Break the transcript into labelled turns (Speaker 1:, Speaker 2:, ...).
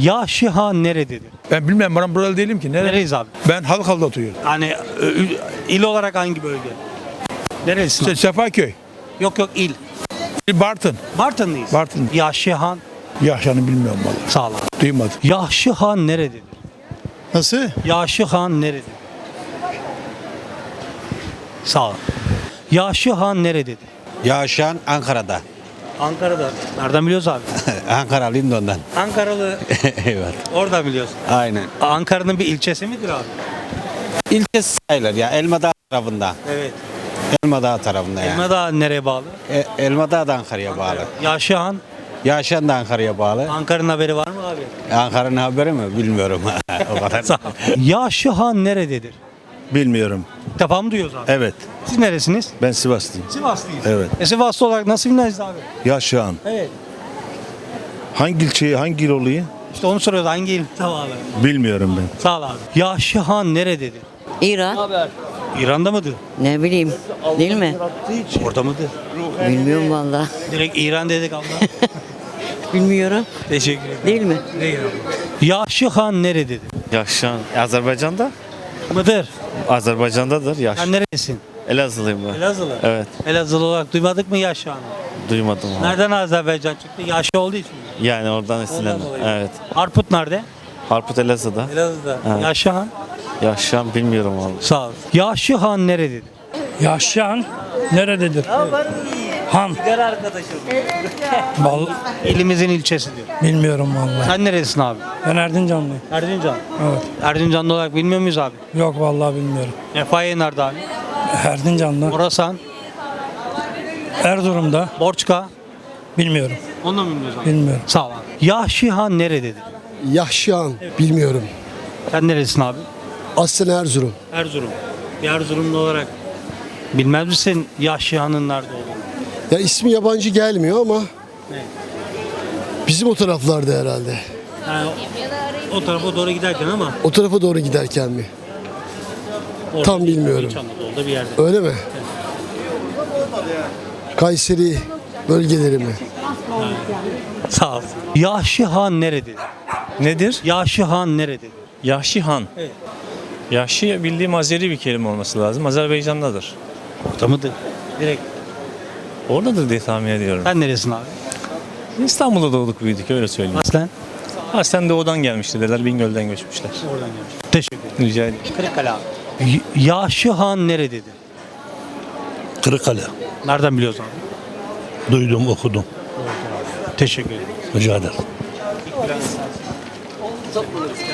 Speaker 1: Yaşı Han nerededir?
Speaker 2: Ben bilmem, ben buralı değilim ki.
Speaker 1: Nereyiz abi?
Speaker 2: Ben Halkalı'da oturuyorum.
Speaker 1: Yani il olarak hangi bölge? Nerelisin? abi?
Speaker 2: Sefaköy.
Speaker 1: Yok il.
Speaker 2: Bartın.
Speaker 1: Bartınlıyız.
Speaker 2: Bartın.
Speaker 1: Yaşı Han.
Speaker 2: Yaşanı bilmiyorum vallahi.
Speaker 1: Sağ ol abi.
Speaker 2: Duymadım.
Speaker 1: Yaşı Han nerededir?
Speaker 3: Nasıl?
Speaker 1: Yaşı Han nerededir? Sağ ol. Yaşı Han nerededir?
Speaker 4: Yaşayan Ankara'da.
Speaker 1: Ankara'da. Nereden biliyoruz abi?
Speaker 4: Ankaralıyım da ondan.
Speaker 1: Ankaralı.
Speaker 4: Evet.
Speaker 1: Oradan biliyorsun.
Speaker 4: Aynen.
Speaker 1: Ankara'nın bir ilçesi midir abi?
Speaker 4: İlçesi sayılır ya. Elmadağ tarafında.
Speaker 1: Evet.
Speaker 4: Elmadağ tarafında ya.
Speaker 1: Elmadağ nereye bağlı?
Speaker 4: Elmadağ da Ankara'ya bağlı.
Speaker 1: Yaşı Han.
Speaker 4: Yaşayan da Ankara'ya bağlı.
Speaker 1: Ankara'nın haberi var mı abi?
Speaker 4: Ankara'nın haberi mi? Bilmiyorum. O kadar.
Speaker 1: Sağ ol. Yaşı Han nerededir?
Speaker 5: Bilmiyorum.
Speaker 1: İlk defa mı duyuyoruz abi?
Speaker 5: Evet.
Speaker 1: Siz neresiniz?
Speaker 5: Ben Sivaslıyım.
Speaker 1: Sivaslıyız.
Speaker 5: Evet.
Speaker 1: Sivaslı olarak nasıl bilmez abi?
Speaker 5: Yaşayan.
Speaker 1: Evet.
Speaker 5: Hangi ilçeyi, hangi il oluyor?
Speaker 1: İşte onu soruyoruz hangi il? Tamam abi.
Speaker 5: Bilmiyorum ben.
Speaker 1: Sağ ol abi. Yaşı Han nerededir?
Speaker 6: İran.
Speaker 1: İran'da mıdır?
Speaker 6: Ne bileyim. Değil mi?
Speaker 1: Orada mıdır?
Speaker 6: Bilmiyorum valla.
Speaker 1: Direkt İran dedik abla.
Speaker 6: Bilmiyorum.
Speaker 1: Teşekkür ederim.
Speaker 6: Değil mi?
Speaker 1: Değil abi. Yaşı Han nerededir?
Speaker 7: Yaşan Azerbaycan'da.
Speaker 1: Mıdır?
Speaker 7: Azerbaycan'dadır yaş.
Speaker 1: Sen neredesin?
Speaker 7: Elazığlıyım ben.
Speaker 1: Elazığlı.
Speaker 7: Evet.
Speaker 1: Elazığlı olarak duymadık mı Yaşı Han'ı?
Speaker 7: Duymadım abi.
Speaker 1: Nereden Azerbaycan çıktı? Yaşı olduğu için mi?
Speaker 7: Yani oradan esinlendim.
Speaker 1: dolayı.
Speaker 7: Evet.
Speaker 1: Harput nerede?
Speaker 7: Harput Elazığ'da.
Speaker 1: Elazığ'da.
Speaker 7: Evet.
Speaker 1: Yaşı Han.
Speaker 7: Yaşan bilmiyorum abi.
Speaker 1: Sağ ol. Yaşı Han nerededir?
Speaker 8: Yaşayan nerededir? Han. Vallahi
Speaker 1: İlimizin ilçesidir.
Speaker 8: bilmiyorum vallahi.
Speaker 1: Sen neredesin abi?
Speaker 8: Ben Erdincanlıyım.
Speaker 1: Erzincan.
Speaker 8: Evet.
Speaker 1: Erzincanlı olarak bilmiyor muyuz abi?
Speaker 8: Yok vallahi bilmiyorum.
Speaker 1: Refahiye nerede abi?
Speaker 8: Erdincan'da.
Speaker 1: Orasan,
Speaker 8: Erzurum'da.
Speaker 1: Borçka.
Speaker 8: Bilmiyorum.
Speaker 1: Onu da mı bilmiyoruz abi?
Speaker 8: Bilmiyorum.
Speaker 1: Sağ ol abi. Yaşı Han nerededir?
Speaker 3: Yahşihan bilmiyorum.
Speaker 1: Sen neredesin abi?
Speaker 3: Aslen Erzurum.
Speaker 1: Erzurum. Bir Erzurumlu olarak bilmez misin Yaşı Han'ın nerede olduğunu?
Speaker 3: Ya ismi yabancı gelmiyor ama bizim o taraflarda herhalde.
Speaker 1: Yani o tarafa doğru giderken ama
Speaker 3: O tarafa doğru giderken mi?
Speaker 1: orada
Speaker 3: Tam
Speaker 1: değil,
Speaker 3: bilmiyorum.
Speaker 1: İç Anadolu'da bir yerde.
Speaker 3: Öyle mi? Kayseri bölgeleri mi?
Speaker 1: Sağ ol. Yaşı Han nerededir?
Speaker 9: Nedir?
Speaker 1: Yaşı Han nerededir?
Speaker 9: Yahşi Han.
Speaker 1: Evet.
Speaker 9: Yahşi bildiğim Azeri bir kelime olması lazım. Azerbaycan'dadır.
Speaker 1: Orada mıdır? Direkt.
Speaker 9: Oradadır diye tahmin ediyorum.
Speaker 1: Sen neresin abi?
Speaker 9: İstanbul'da doğduk büyüdük öyle söyleyeyim.
Speaker 1: Aslen.
Speaker 9: Aslen doğudan gelmişti dediler. Bingöl'den göçmüşler.
Speaker 1: Oradan gelmiş. Teşekkür ederim.
Speaker 9: Rica ederim.
Speaker 1: Kırıkkale abi. Yaşı Han nerededir?
Speaker 5: Kırıkkale.
Speaker 1: Nereden biliyoruz abi?
Speaker 5: Duydum, okudum.
Speaker 1: Teşekkür ederim.
Speaker 5: Rica ederim.